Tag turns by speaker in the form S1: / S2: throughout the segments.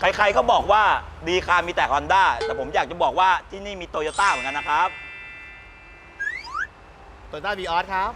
S1: ใครๆก็บอกว่าดีคามีแต่ Honda แต่ผมอยากจะบอกว่าที่นี่มีโตโยต้าเหมือนกันนะครับ
S2: Toyota Vios ครับ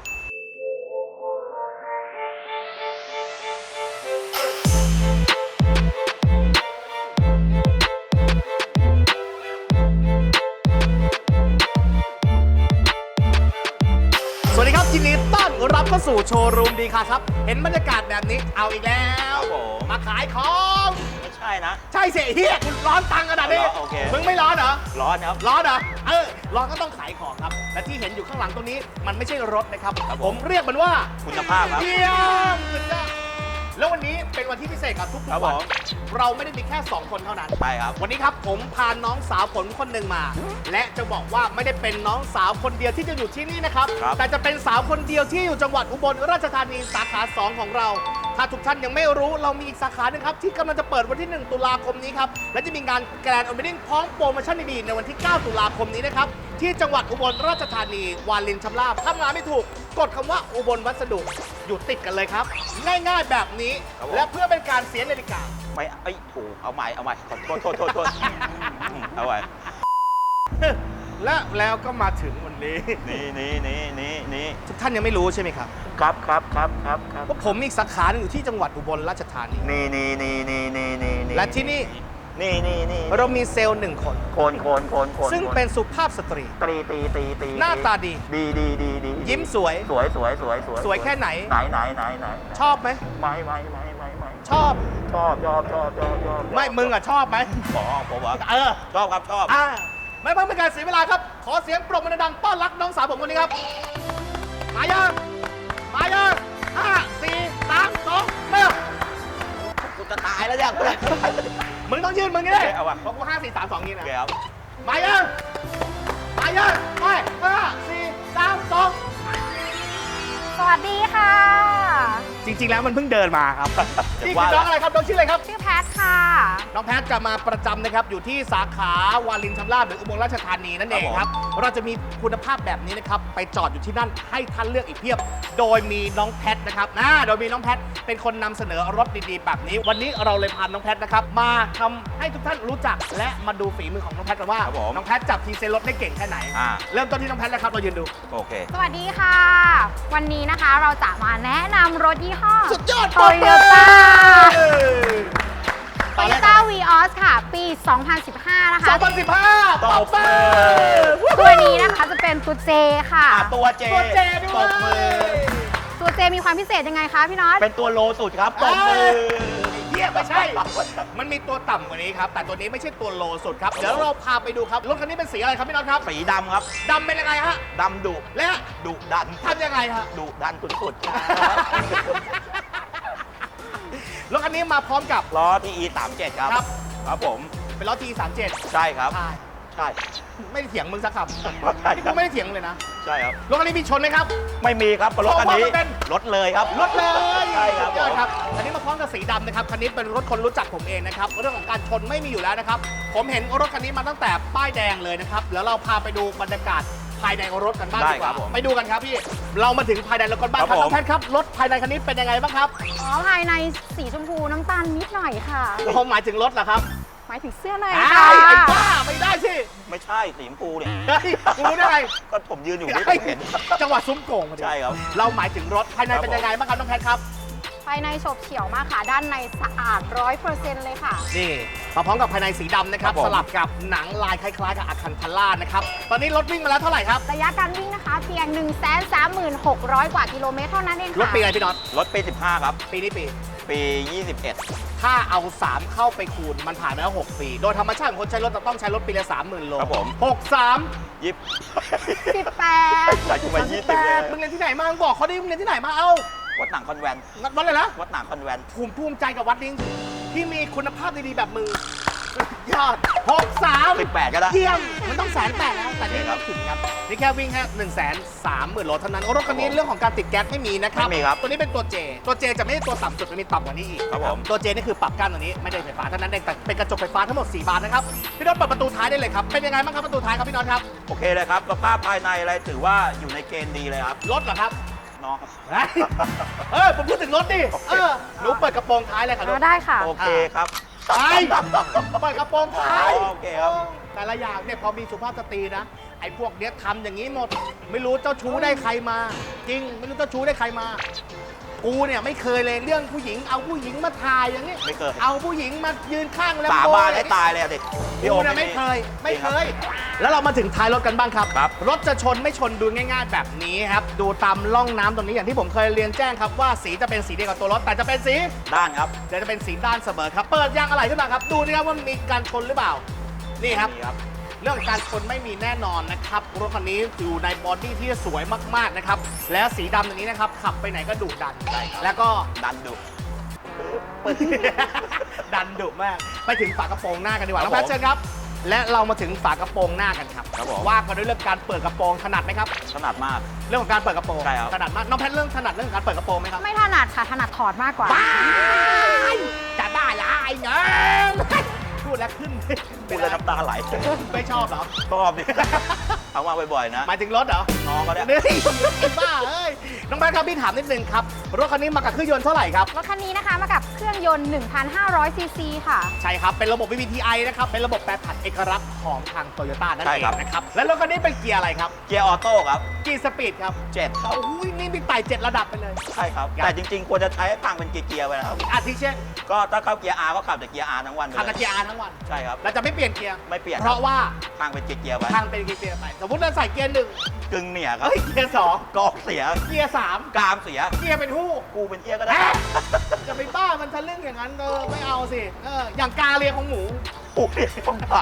S2: สวัสดีครับยินดีต้อนรับเข้าสู่โชว์รูมดีค่ะครับเห็นบรรยากาศแบบนี้เอาอีกแล้ว
S1: ครับผม
S2: มาขายของ
S1: ไม่ใช่นะ
S2: ใช่เสียเฮียคุณร้อนตังขนาดนี้
S1: โอเค
S2: มึงไม่ร้อนเหรอ
S1: ร้อนครับ
S2: ร้อนเหรอร้อนก็ต้องขายของครับและที่เห็นอยู่ข้างหลังตรงนี้มันไม่ใช่รถนะครับ
S1: ครับ
S2: ผ
S1: ผม ม
S2: เรียกมันว่า
S1: คุณภาพครับ
S2: เยี่ยมสุดยอดแล้ววันนี้เป็นวันที่พิเศษกับทุก
S1: ครับ
S2: ๆวัน
S1: ผม
S2: เราไม่ได้มีแค่ 2 คนเท่านั้น
S1: ใช่ครับ
S2: วันนี้ครับผมพาน้องสาวผมคนหนึ่งมา และจะบอกว่าไม่ได้เป็นน้องสาวคนเดียวที่จะอยู่ที่นี่นะครับ
S1: ครับ
S2: แต่จะเป็นสาวคนเดียวที่อยู่จังหวัดอุบลราชธานีสาขา 2 ของเรา ถ้าทุกท่านยังไม่รู้เรามีอีกสาขาหนึ่งครับที่กำลังจะเปิดวันที่ 1 ตุลาคมนี้ครับและจะมีงานแกรนด์โอเพนนิ่งพร้อมโปรโมชั่นดีๆในวันที่ 9 ตุลาคมนี้นะครับที่จังหวัดอุบลราชธานีวารินชำราบทำงานไม่ถูกกดคำว่าอุบลวัสดุอยู่ติดกันเลยครับง่ายๆแบบนี้
S1: ครับผม
S2: และเพื่อเป็นการเสียนาฬิกา
S1: ไม่ไอ้ยถูกเอาใหม่ขอโทษเอาไว้
S2: แล้วก็มาถึงวันนี้
S1: นี่
S2: ทุกท่านยังไม่รู้ใช่ไหมครับ
S1: ครับ
S2: ว่าผมมีอีกสาขาหนึ่งอยู่ที่จังหวัดอุบลราชธานี
S1: นี่
S2: และที่นี่
S1: นี่
S2: เรามีเซลล์หนึ่งคน
S1: โคน
S2: ซึ่งเป็นสุภาพสตรี
S1: ตี
S2: หน้าตาดี
S1: ดี
S2: ยิ้มสวย
S1: สวย
S2: สวยแค่ไหน
S1: ไหน
S2: ชอบไหม
S1: ไม่
S2: ชอบ
S1: ชอบ
S2: ไม่มึงอ่ะชอบไหม
S1: ผมว่า
S2: เออ
S1: ชอบครับชอบ
S2: ไม่เพิ่งเป็นการเสียเวลาครับ ขอเสียงปรบมือดังๆต้อนรับน้องสาวผมคนนี้ครับ มายัง5 4 3 2เริ่ม
S1: กูจะตายแล้วเนี่ย
S2: มึงต้องยืนมึงนี่เลย
S1: เอาว่ะ
S2: เพราะกู5 4 3 2นี่
S1: โอ
S2: นะ
S1: เคครับ
S2: มายังไป5 4 3 2
S3: สวัสดีค่ะ
S2: จริงๆ แล้วมันเพิ่งเดินมาครับ
S1: เดี๋
S2: นี่
S1: ยว
S2: คือ
S1: ว่า
S2: น้องอะไรครับน้องชื่ออะไรครับ
S3: ชื่อแพทค่ะ
S2: น้องแพทจะมาประจำนะครับอยู่ที่สาขาวารินชำราบหรืออุบลราชธานีนั่นเองครับ เราจะมีคุณภาพแบบนี้นะครับไปจอดอยู่ที่นั่นให้ท่านเลือกอีกเพียบ โดยมีน้องแพทนะครับโดยมีน้องแพทเป็นคนนำเสนอรถดีๆแบบนี้ วันนี้เราเลยพาน้องแพทนะครับมาทำให้ทุกท่านรู้จักและมาดูฝีมือของน้องแพทกันว่า
S1: ครับผม
S2: น้องแพทจับทีเซลรถได้เก่งแค่ไหน เริ่มต้นที่น้องแพทเลยครับเรายืนดู
S1: โอเค
S3: สวัสดีค่ะ วันนี้นะคะเราจะมาแนะนำรถยี่ห้อ
S2: สุดยอด
S3: โตโยต้า
S2: ต
S3: โต
S2: อน
S3: โย
S2: แรก
S3: ต้าวีออสค่ะ ปี 2015 นะคะ
S2: 2015
S1: ตบมือ
S3: ตัวนี้นะคะจะเป็นตัวเจค่ะ
S1: ตัวเจ
S2: ตัวเจด้วย
S1: ตบมือ
S3: ตัวเจมีความพิเศษยังไงคะพี่น็อต
S1: เป็นตัวโลสุดครับตบมือ
S2: เฮียไม่ใช่ มันมีตัวต่ำกว่านี้ครับ แต่ตัวนี้ไม่ใช่ตัวโลสุดครับ เดี๋ยวเราพาไปดูครับ รถคันนี้เป็นสีอะไรครับพี่น็อตครับ
S1: สีดำครับ
S2: ดำเป็นยังไงฮะ
S1: ดำดุ
S2: และ
S1: ดุดัน
S2: ทำยังไงฮะ
S1: ดุดันสุด
S2: รถคันนี้มาพร้อมกับ
S1: ๆล้อ TE 37ครับ
S2: ครับ
S1: ครับผม
S2: เป็นล้อ T37
S1: ใช่ครับ
S2: ใช่
S1: ใช่
S2: ไม่ได้เถียงมึงสักคำ
S1: ใช่ครับ
S2: กูไม่ได้เถียงเลยนะ
S1: ใช่ครับ
S2: รถคันนี้มีชนไหมครับ
S1: ไม่มีครับรถคันนี้
S2: เพราะว่ามันเป็น
S1: รถเลยครับ
S2: รถเลย
S1: ใช่ครับ
S2: สุดยอดครับอันนี้มาพร้อมกับสีดำนะครับ คันนี้เป็นรถคนรู้จักผมเองนะครับ เรื่องของการชนไม่มีอยู่แล้วนะครับ ผมเห็นรถคันนี้มาตั้งแต่ป้ายแดงเลยนะครับ แล้วเราพาไปดูบรรยากาศภายในรถกันบ้างดีกว่า ไปดูกันครับพี่ เรามาถึงภายในรถกันบ้างครับน้องแพทครับ รถภายในคันนี้เป็นยังไงบ้างครับ
S3: อ๋อ ภายในสีชมพูน้ำตาลนิดหน่อยค่ะ
S2: ผมหมายถึงรถเหรอครับ
S3: หมายถึงเสื้อใน
S2: ไอ้
S3: ค่ะ
S2: ไอ้บ้าไม่ได้สิ
S1: ไม่ใช่สีชมพูเนี่ย
S2: เฮ้ยคุณรู้ได้ไง
S1: ก็ผมยืนอยู่ที่ผมเห็น
S2: จังหวะซุ้มโก่งพอดี
S1: ใช่ครับ
S2: เราหมายถึงรถภายในเป็นยังไงบ้างครับน้องแพทครับ
S3: ภายในโฉบเฉี่ยวมากค่ะ ด้านในสะอาด 100% เลยค่ะ
S2: นี่มาพร้อมกับภายในสีดำนะครับ
S1: ครับผม
S2: สลับกับหนังลายคล้ายๆกับอาคันทาร่านะครับ ตอนนี้รถวิ่งมาแล้วเท่าไหร่ครับ
S3: ระยะการวิ่งนะคะ เพียง 136,000 กว่ากิโลเมตรเท่านั้นเองค่ะ
S2: รถปีอะไรพี่น็อต
S1: รถปี 15 ครับ
S2: ปีนี้ปี
S1: ปี 21
S2: ถ้าเอา 3 เข้าไปคูณมันผ่านมาแล้ว 6 ปี โดยธรรมชาติของคนใช้รถจะต้องใช้รถปีละ 30,000 โล
S1: ครับผม
S2: 63
S1: ยิบ
S3: 18
S1: อยากจะมา20เลย
S2: มึงเรียนที่ไหนมามึงบอกเขาดิมึงเรียนที่ไหนมาเอา
S1: วัดหนังคอนแวน
S2: วัดเลยนะ
S1: วัดหนังคอนแวน
S2: ภูมิใจกับวัดนี้ที่มีคุณภาพดีๆแบบมึงสุดยอด63
S1: 18 ก็ได้
S2: เยี่ยมมันต้อง180,000แล้วแต่นี่ไม่ถึงครับนี่แค่วิ่งแค่130,000 โลเท่านั้นรถคันนี้เรื่องของการติดแก๊สไม่มีนะครับ
S1: ไม่มีครับ
S2: ตัวนี้เป็นตัวเจจะไม่ใช่ตัวต่ำสุดมันมีต่ำกว่านี้อีก
S1: ครับผม
S2: ตัวเจนี่คือปรับกั้นตัวนี้ไม่ได้ไฟฟ้าเท่านั้นเองแต่เป็นกระจกไฟฟ้าทั้งหมด4 บานนะครับพี่น็อตเปิดประตูท้ายได้เลยครับเป็นยังไงบ้างครับประตูท้ายครับพี่น็อตครับ
S1: โอเคเลยครับสภาพภายในอะไรถือว่าอยู่ในเกณฑ์ดีเลยครับ
S2: รถเหรอครับ
S1: น้องครับ
S2: เฮ้ยผมพูดถึงรถดิหนูเปิดกระโปรงท้ายเลยค่ะลูก
S3: ได้ค่ะ
S1: โอเคครับ
S2: ไปเปิดกระโปรงท้าย
S1: โอเคครับ
S2: แต่ละอย่างเนี่ยพอมีสุภาพสตรีนะไอ้พวกเนี้ยทำอย่างนี้หมด ไม่รู้เจ้าชู้ได้ใครมา จริงไม่รู้เจ้าชู้ได้ใครมา กูเนี่ยไม่เคยเลยเรื่องผู้หญิงเอาผู้หญิงมาถ่ายอย่างนี้
S1: ไม่เคย
S2: เอาผู้หญิงมายืนข้างแล้ว
S1: สาบานให้ตายเลยอะเด็กพี่โอ
S2: กูเนี่ยไม่เคย แล้วเรามาถึงท้ายรถกันบ้างครับ
S1: ครับ
S2: รถจะชนไม่ชนดูง่ายๆแบบนี้ครับดูตามร่องน้ำตรงนี้อย่างที่ผมเคยเรียนแจ้งครับว่าสีจะเป็นสีเดียวกับตัวรถแต่จะเป็นสี
S1: ด้านครับ
S2: เดี๋ยวจะเป็นสีด้านเสมอครับ เปิดยางอะไรขึ้นมาครับ ดูนะครับว่ามีการชนหรือเปล่า นี่ครับ
S1: นี่ครับ
S2: เรื่องการชนไม่มีแน่นอนนะครับ รถคันนี้อยู่ในบอดี้ที่สวยมากๆนะครับ แล้วสีดำอย่างนี้นะครับ ขับไปไหนก็ดุดัน
S1: ใช่ครับ
S2: แล้วก็
S1: ดันดุ
S2: ดันดุมาก ไปถึงฝากระโปรงหน้ากันดีกว่า
S1: ครับ
S2: น้องแพทเชิญครับ และเรามาถึงฝากระโปรงหน้ากันครับ
S1: ครับผม
S2: ว่ากันด้วยเรื่องการเปิดกระโปรงถนัดไหมครับ
S1: ถนัดมาก
S2: เรื่องของการเปิดกระโปรง
S1: ใช่ครับ
S2: ถนัดมาก น้องแพทเรื่องถนัดเรื่องการเปิดกระโปรงไหมครับ
S3: ไม่ถนัดค่ะ ถนัดถอดมากกว่า
S2: บ้ายจะบ้าละไอ้เนยพูดแล้วขึ้น
S1: พูดแล้วน้ำตาไหล
S2: ไม่ชอบเหรอ
S1: ชอบดิ เอามาบ่อยๆนะ
S2: หมายถึงรถเหรอ
S1: น้องก็ได้
S2: นี่ไอ้บ้าเอ้ย น้องแบงค์ครับพี่ถามนิดนึงครับ รถคันนี้มากับเครื่องยนต์เท่าไหร่ครับ
S3: รถคันนี้นะคะมากับเครื่องยนต์ 1,500 ซีซีค่ะ
S2: ใช่ครับ เป็นระบบ VVTi นะครับ เป็นระบบแปรผันเอกลักษณ์ของทางโตโยต้านั่น
S1: ใช่
S2: เอง
S1: ครับ
S2: นะครับ และรถคันนี้เป็นเกียร์อะไรครับ
S1: เกียร์ออโต้ครับ
S2: กี่สปีดครับ
S1: 7ครับ
S2: โอ้ยนี่มีไต่7ระดับไปเลย
S1: ใช่ครับ แต่จริงๆ ควรจะใช้ให้พังเป็นเกียร์ๆไปนะครับ
S2: อาทิเช่น
S1: ก็ถ้าเข้าเกียร์ R ก็ขับแต่เกียร์ R ทั้งวันไป
S2: ขับ
S1: เล
S2: แต่
S1: ย
S2: เกียร์ R ทั้งวัน
S1: ใช่ครับ
S2: เราจะไม่เปลี่ยนเกียร์
S1: ไม่เปลี่ยน
S2: เพราะว่า
S1: พังเป็นเกียร์ๆไป
S2: ทางเป็นเกียร์ไป สมมติเราใส่เกียร์หนึ่ง
S1: กึ่งเหนี่ยครับ
S2: เฮ้ยเกียร์สอง
S1: กอกเสีย
S2: เกียร์สาม
S1: กรามเสีย
S2: เกียร์เป็นหู้
S1: กูเป็นเกียร์ก็ได้
S2: แอะจะไปบ้ามันทะลึ่งอย่างนั้นไม่เอาสิอย่างกาเลียของหมู
S1: โอ้ยผมผ่า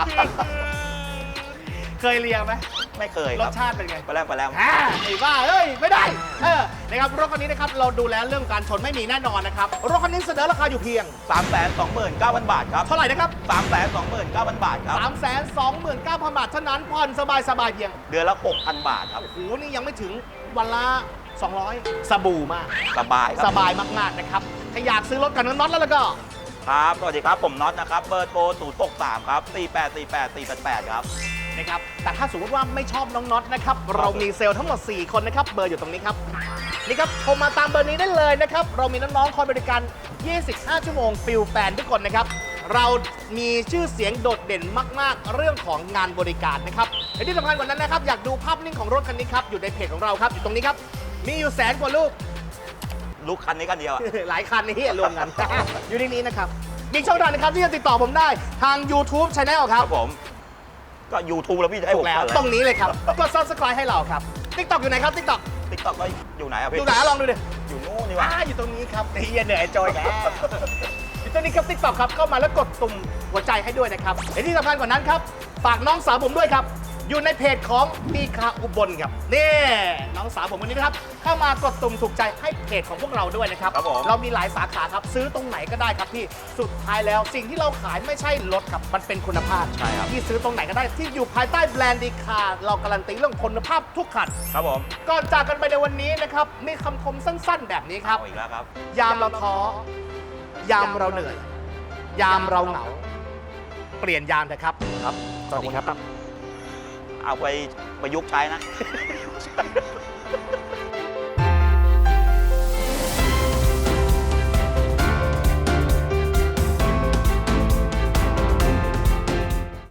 S2: เคยเลียไหม
S1: ไม่เคย
S2: ร
S1: ค
S2: ส
S1: รับ
S2: ชาติเป็นไง
S1: ไปแล้วไปแล้ว
S2: ไอ้บ้าเอ้ยไม่ได้นะครับรถคันนี้นะครับเราดูแลเรื่องการชนไม่มีแน่นอนนะครับรถคันนี้เสนอราคาอยู่เพียง
S1: 329,000 บาทครับ
S2: เท่าไหร่นะครับ
S1: 329,000 บาทครับ
S2: 329,000 บาทเท่านั้นผ่อนสบายๆเพียง
S1: เดือนละ 6,000 บาทครับ
S2: โอ้โหนี่ยังไม่ถึงวันละ 200 สบู่มาก
S1: สบายค
S2: ส
S1: รับ
S2: บายมากๆนะครับถ้าอยากซื้อรถกันน็อตแล้วก็
S1: ครับ สวัสดีครับ ผมน็อตนะครับ เบอร์โทร063ครับ4848 ครับ
S2: นะครับแต่ถ้าสมมติว่าไม่ชอบน้องน็อตนะครับเรามีเซลล์ทั้งหมด 4 คนนะครับเบอร์อยู่ตรงนี้ครับนี่ครับโทรมาตามเบอร์นี้ได้เลยนะครับเรามีน้องๆคอยบริการ 25 ชั่วโมงฟิลแฟนทุกคนนะครับเรามีชื่อเสียงโดดเด่นมากๆ เรื่องของงานบริการนะครับและที่สำคัญกว่านั้นนะครับอยากดูภาพนิ่งของรถคันนี้ครับอยู่ในเพจของเราครับอยู่ตรงนี้ครับมีอยู่แสนกว่าลูก
S1: ลูกคันนี้กันเดียวอะ
S2: หลายคันนี่รวมกัน อยู่ในนี้นะครับมีช่องทางนะครับที่จะติดต่อผมได้ทาง YouTube Channel ค
S1: ค
S2: รั
S1: รับ บผม ก็ YouTube แล้วพี่จะให้
S2: ถู
S1: ผม
S2: กแล้ว
S1: อะไร
S2: ตรงนี้เลยครับกด Subscribe ให้เราครับ TikTok อยู่ไหนครับ TikTok
S1: ติ๊กต็อกก็อยู่ไหนอะพี่
S2: ดูไหนลองดูดิ
S1: อยู่นู่นนี่หว่า
S2: อยู่ตรงนี้ครับไอ้เหี้ยเหนื่อยจอยแล้วอยู่ตรงนี้ครับ TikTok ครับเข้ามาแล้วกดตุ่มหัวใจให้ด้วยนะครับและที่สำคัญกว่านั้นครับฝากน้องสาวผมด้วยครับอยู่ในเพจของดีคาอุบลครับนี่น้องสาวผมคนนี้นะครับเข้ามากดตุ่มถูกใจให้เพจของพวกเราด้วยนะครับ
S1: ครับผม
S2: เรามีหลายสาขาครับซื้อตรงไหนก็ได้ครับที่สุดท้ายแล้วสิ่งที่เราขายไม่ใช่รถครับมันเป็นคุณภาพ
S1: ใช่ครับ
S2: ที่ซื้อตรงไหนก็ได้ที่อยู่ภายใต้แบรนด์ดีคาเราการันตีเรื่องคุณภาพทุกคัน
S1: ครับผม
S2: ก่อนจากกันไปในวันนี้นะครับมีคำคมสั้นๆ แบบนี้ครับ
S1: เอาอีกแล้วครับ
S2: ยามเราท้อยามเราเหนื่อย ยามเราเหงา เปลี่ยนยามเถอะครับ
S1: ครับ
S2: สวัสดีครับ
S1: เอาไปประยุกต์ใช้นะ